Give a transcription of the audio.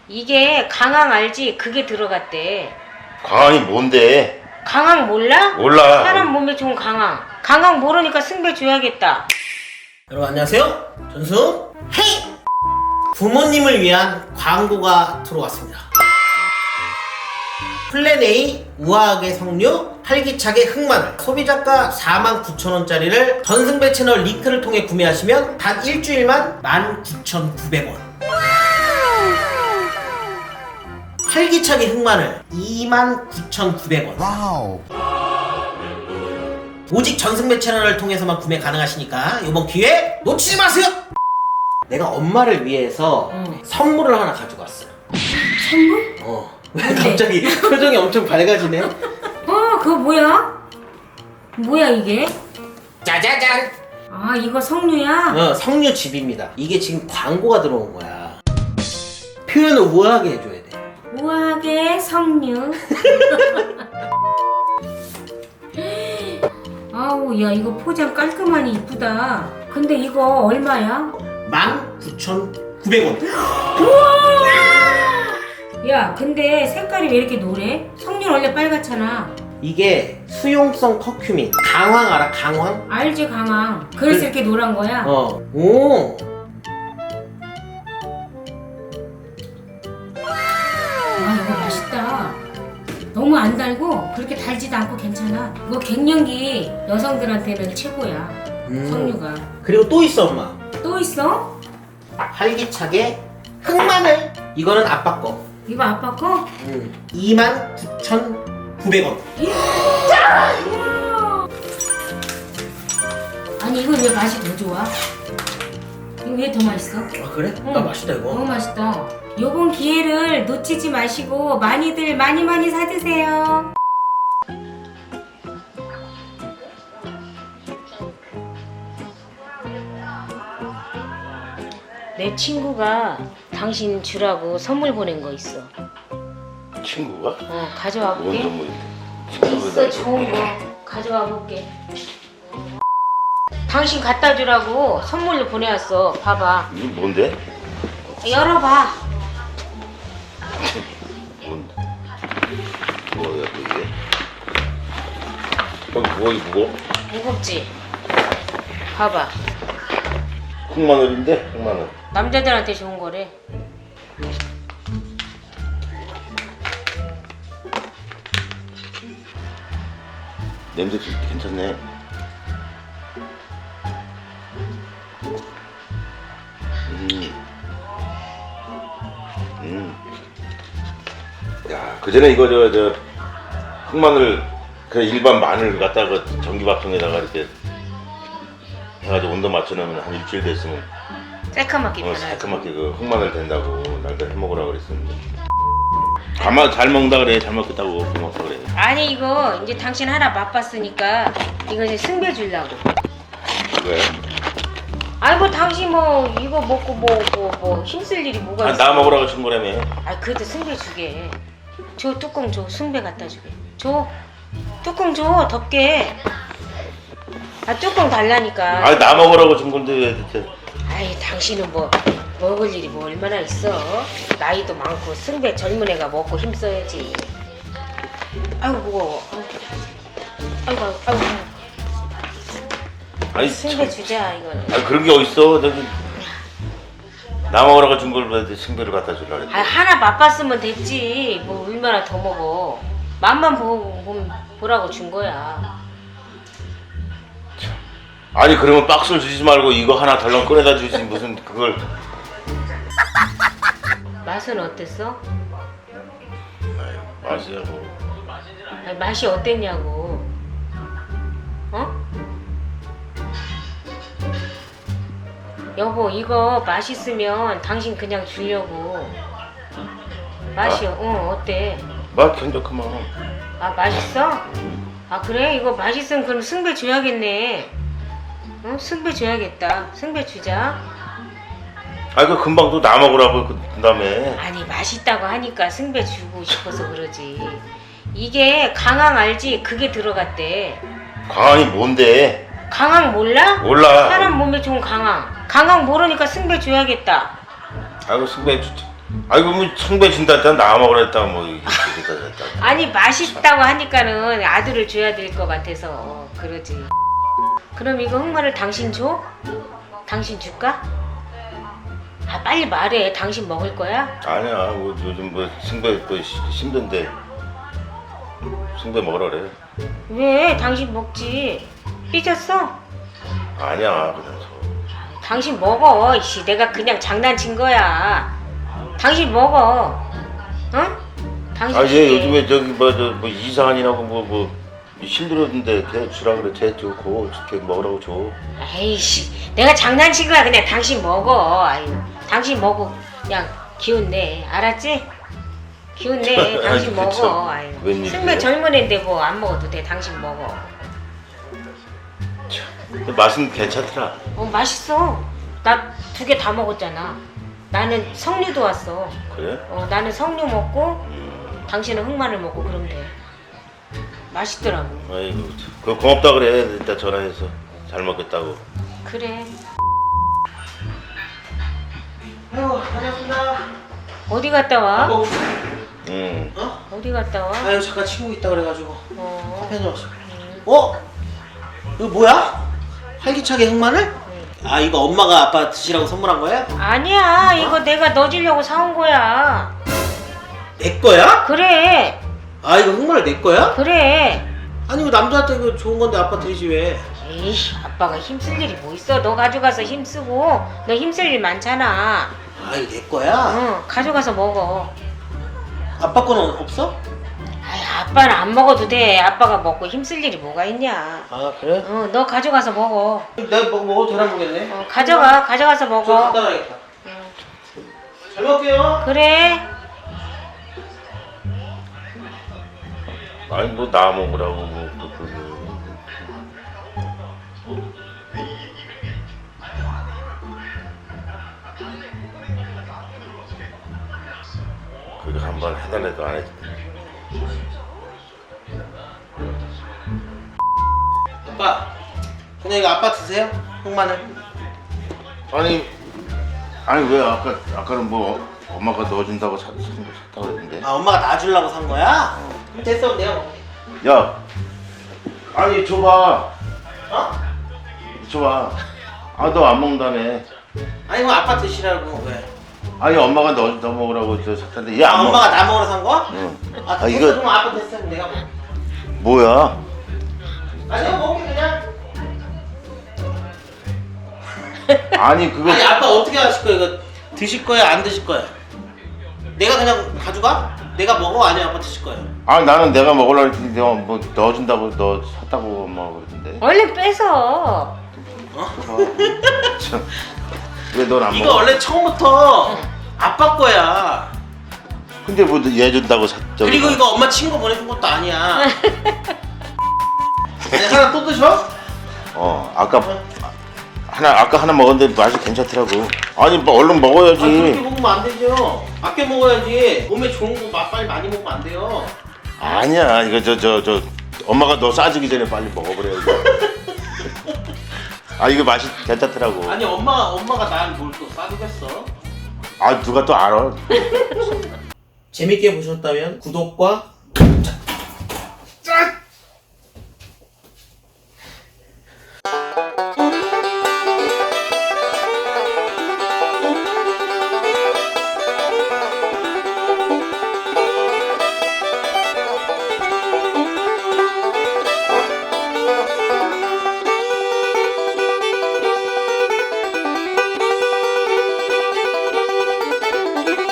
이게 강황 알지? 그게 들어갔대. 강황이 뭔데? 강황 몰라? 몰라. 사람 몸에 좋은 강황. 강황 모르니까 승배 줘야겠다. 여러분 안녕하세요. 전승 헤이! 부모님을 위한 광고가 들어왔습니다. 플랜 A 우아하게 석류 활기차게 흑마늘 소비자가 49,000원짜리를 전승배 채널 링크를 통해 구매하시면 단 일주일만 19,900원, 활기차게 흑마늘 29,900원. 와우. 오직 전승배 채널을 통해서만 구매 가능하시니까 이번 기회 놓치지 마세요. 내가 엄마를 위해서 선물을 하나 가지고 왔어요. 선물? 왜 갑자기 표정이 엄청 밝아지네? 그거 뭐야? 뭐야 이게? 짜자잔! 아 이거 석류야? 석류즙입니다. 이게 지금 광고가 들어온 거야. 표현을 우아하게 해줘야 돼. 우아하게 석류. 아우 야 이거 포장 깔끔하니 이쁘다. 근데 이거 얼마야? 19,900원. 야 근데 색깔이 왜 이렇게 노래? 석류는 원래 빨갛잖아. 이게 수용성 커큐민. 강황 알아? 강황? 알지 강황. 그래서 이렇게 노란 거야? 오. 아 이거 맛있다. 너무 안 달고 그렇게 달지도 않고 괜찮아. 이거 갱년기 여성들한테는 최고야. 석류가. 그리고 또 있어 엄마. 또 있어? 활기차게 흑마늘. 이거는 아빠 거. 이거 아빠 거? 29,900원. 아니 이거 왜 맛이 더 좋아? 이거 왜 더 맛있어? 아 그래? 응. 나 맛있다 이거. 너무 맛있다. 요번 기회를 놓치지 마시고 많이들 많이 사드세요. 내 친구가 당신 주라고 선물 보낸 거 있어. 친구가? 가져와 뭔 볼게. 선물인데? 있어 좋은 거 가져와 볼게. 당신 갖다 주라고 선물로 보내왔어. 봐봐. 이게 뭔데? 열어봐. 뭔데? 뭐야 또 이게? 뭐 이거 무거워? 무겁지? 봐봐. 흑마늘인데? 흑마늘. 남자들한테 좋은 거래. 냄새 괜찮네. 야, 그 전에 이거 저 흑마늘 그냥 일반 마늘 갖다가 전기밥통에다가 이렇게 해가지고 온도 맞춰놓으면 한 일주일 됐으면 새카맣게 변하지. 새까맣게 그 흑마늘 된다고 날짜 해먹으라고 그랬었는데. 가만 잘 먹는다 그래. 잘 먹겠다고 고맙다 그래. 아니 이거 이제 당신 하나 맛봤으니까 이거 이제 승배 주려고. 왜? 아니 뭐 당신 뭐 이거 먹고 뭐 힘쓸 일이 뭐가 있어? 나 먹으라고 준 거라며. 아 그래도 승배 주게. 줘 뚜껑 줘. 승배 갖다 주게. 줘. 뚜껑 줘. 덮게. 아 뚜껑 달라니까. 아니 나 먹으라고 준 건데 왜 대체. 아이 당신은 뭐 먹을 일이 뭐 얼마나 있어. 나이도 많고 승배 젊은 애가 먹고 힘써야지. 아이고 무거워. 아이고. 아니 승배 주자 이거는. 아니 그런 게 어딨어. 저기 나 먹으라고 준 걸 왜 승배를 갖다 주려고 그래. 아 하나 맛봤으면 됐지. 뭐 얼마나 더 먹어. 맛만 보라고 준 거야. 아니 그러면 박스를 주지 말고 이거 하나 덜렁 꺼내다 주지 무슨 그걸. 맛은 어땠어? 아유, 맛이야 뭐. 아니, 맛이 어땠냐고. 여보 이거 맛있으면 당신 그냥 주려고. 맛이 어때? 맛 괜찮구만. 아 맛있어? 아 그래? 이거 맛있으면 그럼 승배 줘야겠네. 승배 줘야겠다. 승배 주자. 아이 그 금방 또 나 먹으라고 그 다음에. 아니 맛있다고 하니까 승배 주고 싶어서 그러지. 이게 강황 알지? 그게 들어갔대. 강황이 뭔데? 강황 몰라? 몰라. 사람 몸에 좋은 강황. 강황 모르니까 승배 줘야겠다. 아이고 승배 아이고 뭐 성배 진다 했다 나 먹으라 했다 뭐 이렇게 됐다. 아니 맛있다고 하니까는 아들을 줘야 될 것 같아서 그러지. 그럼 이거 흑마늘 당신 줘? 당신 줄까? 아 빨리 말해. 당신 먹을 거야? 아니야 뭐 요즘 뭐 승배 뭐 힘든데 승배 먹으라 그래. 왜? 당신 먹지. 삐졌어? 아니야 그냥 저. 당신 먹어. 이씨 내가 그냥 장난친 거야. 당신 먹어. 응? 당신 아얘 줄게. 요즘에 저기 뭐 이상한이라고 뭐 힘들었는데 걔 주라 그래. 걔 좋고 걔 먹으라고 줘. 에이씨 내가 장난친 거야. 그냥 당신 먹어. 아유 당신 먹어. 그냥 기운 내. 알았지? 기운 내. 당신 아이, 그쵸. 먹어. 아유 웬일이세요? 승배 젊은 애인데 뭐 안 먹어도 돼. 당신 먹어. 근데 맛은 괜찮더라. 맛있어. 나 2개 다 먹었잖아. 나는 석류도 왔어. 그래? 나는 석류 먹고 당신은 흑마늘 먹고 그러면 돼. 맛있더라고. 아이고 그 고맙다 그래. 일단 전화해서 잘 먹겠다고. 그래. 아이고 다녀왔습니다. 어디 갔다 와? 응. 어? 어디 갔다 와? 아유 잠깐 친구 있다 그래가지고 어. 커피 한잔 왔어. 이거 뭐야? 활기차게 흑마늘? 아 이거 엄마가 아빠 드시라고 선물한 거야? 아니야. 이거 내가 너 주려고 사온 거야. 내 거야? 그래. 아 이거 흑마늘 내 거야? 그래. 아니 이거 남자한테 이거 좋은 건데 아빠 드리지 왜? 에이 아빠가 힘쓸 일이 뭐 있어. 너 가져가서 힘쓰고 너 힘쓸 일 많잖아. 아 이거 내 거야? 가져가서 먹어. 아빠 거는 없어? 아이 아빠는 안 먹어도 돼. 아빠가 먹고 힘쓸 일이 뭐가 있냐. 아 그래? 너 가져가서 먹어. 내가 먹어도 되나 모르겠네. 가져가서 저 먹어. 갖다 놔야겠다. 잘 먹게요. 그래. 아니 뭐 나 먹으라고 뭐 그게 한번 해달래도 안 했지. 아빠 그냥 이거 아빠 드세요. 흑마늘. 아니 왜 아까는 뭐 엄마가 넣어준다고 샀다고 그랬는데. 아 엄마가 놔주려고 산 거야? 그럼 됐어 내가 먹을게. 야, 아니 줘봐. 어? 줘봐. 아 너 안 먹는다며. 아니 그럼 아빠 드시라고 왜? 아니 엄마가 너 먹으라고 저 샀는데 얘 아 안 먹어. 엄마가 나 먹으러 산 거야? 응. 아 됐어 이거 그럼 아빠 됐어 그럼 내가 먹을게. 뭐야? 아 내가 먹을게 그냥. 아니 그거 아니 아빠 어떻게 하실 거야 이거? 드실 거야 안 드실 거야? 내가 그냥 가져가? 내가 먹어 아니면 아빠 드실 거야? 아 나는 내가 먹으려고 했는데 뭐 넣어준다고 너 샀다고 엄마가 그러던데. 얼른 뺏어. 왜 넌 안 이거 먹어? 원래 처음부터 아빠 거야. 근데 뭐 얘 준다고 샀죠. 그리고 이거 엄마 친구 보내준 것도 아니야. 내가 하나 또 드셔? 아까 하나 먹었는데 맛이 괜찮더라고. 아니 뭐 얼른 아, 그렇게 먹어야지. 먹으면 안 되죠. 아껴 먹어야지. 몸에 좋은 거 빨리 많이 먹으면 안 돼요. 아니야 이거 저 엄마가 너 싸주기 전에 빨리 먹어버려야지. 아 이거 맛이 괜찮더라고. 아니 엄마가 날 뭘 또 싸주겠어? 아 누가 또 알아? 재밌게 보셨다면 구독과